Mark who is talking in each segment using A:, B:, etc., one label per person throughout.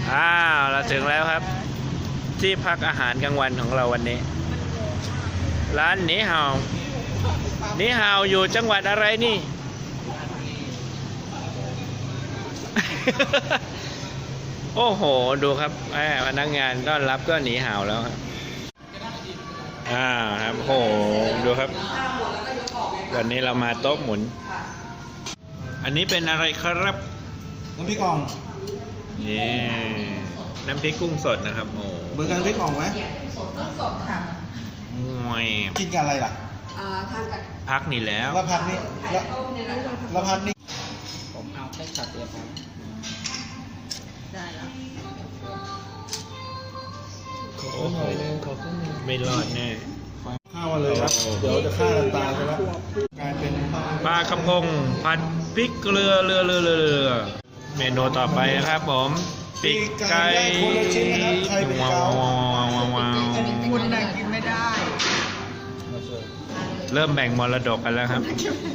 A: เราถึงแล้วครับที่พักอาหารกลางวันของเราวันนี้ ร้านหนีเห่าหนีเห่าอยู่จังหวัดอะไรนี่ โอ้โหดูครับพนักงานต้อนรับก็หนีเห่าแล้วครับครับโอ้โหดูครับวันนี้เรามาโต๊ะหมุนอันนี้เป็นอะไรครับ
B: น้ำพริกอ่อง
A: นี่น้ำพริกกุ้งสดนะครับโอ้
B: เบอร์กันน้ำพริกอ่องไหม
C: สดค่ะ
B: กินกันอะไรล่ะ
C: ทานกับ
A: พักนี่แล้ว
B: แล้วพักนี้แล้วพักนี้
D: ผมเอาแค่ช็อตเดียวครับ
C: ได้แล้ว
A: โอ้โหไม่รอดแน่
B: ข้าวมาเลยครับเดี๋ยวจะฆ่ากันตายไปแล้วกลายเป็น
A: ปลากระพงผัดพริกเกลือเรือเมนูต่อไปนะครับผมปีกไก่ว้าว
C: คุณน่ะกินไม่ได้
A: เริ่มแบ่งมรดกกันแล้วครับ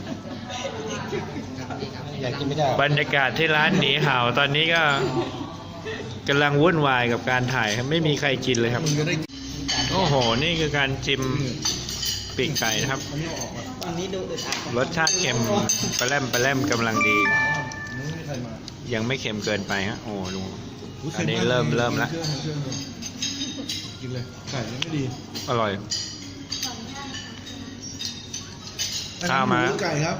B: อยากกินไม่ได้
A: บรรยากาศที่ร้านหนีเห่าตอนนี้ก็กำลังวุ่นวายกับการถ่ายครับไม่มีใครกินเลยครับโอ้โหนี่คือการจิ้มปีกไก่นะครับรสชาติเค็มปลาแรมกำลังดียังไม่เค็มเกินไปฮะโอ้ดูอันนี้เริ่มแล้ว
B: กินเลยไก่ยังไม่ดี
A: อร่อยข้าวมา
B: ไก่ครับ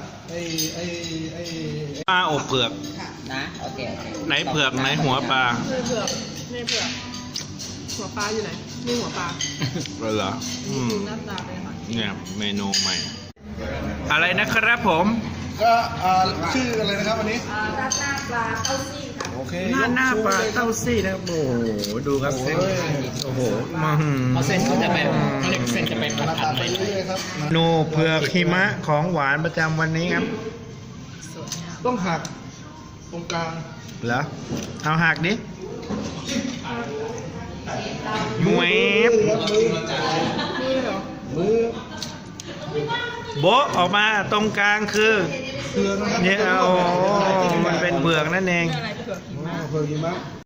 A: ปลาอบเผือก
D: นะโอเค
A: ไหนเผือกไหนหัวปลา
C: ในเผือกหัวปลาอยู่ไหนนี่หัวปลา
A: เหรอ
C: หน้าตาเป็นค่ะ
A: เนี่ยเมนูใหม่อะไรนะครับผม
B: ก็ชื่ออะไรนะครับวันนี้
C: ราดหน้าปลาเต้าซี่ค่ะ
B: โอเค
A: หน้าปลาเต้าซี่นะครับโอ้โหดูครับเส้นโอ้โห
D: เอาเส้นจะเป็นเส้นจะเป็นผัดเลย
B: ครับ
A: เมนูเผือกหิมะของหวานประจำวันนี้ครับ
B: ต้องหักตรงกลาง
A: เหรอเอาหักดิมวย
B: มือ
A: โบะออกมาตรงกลางคือเนี่ยโอ้มันเป็นเผือกนั่นเอง
B: เผือกหิมะ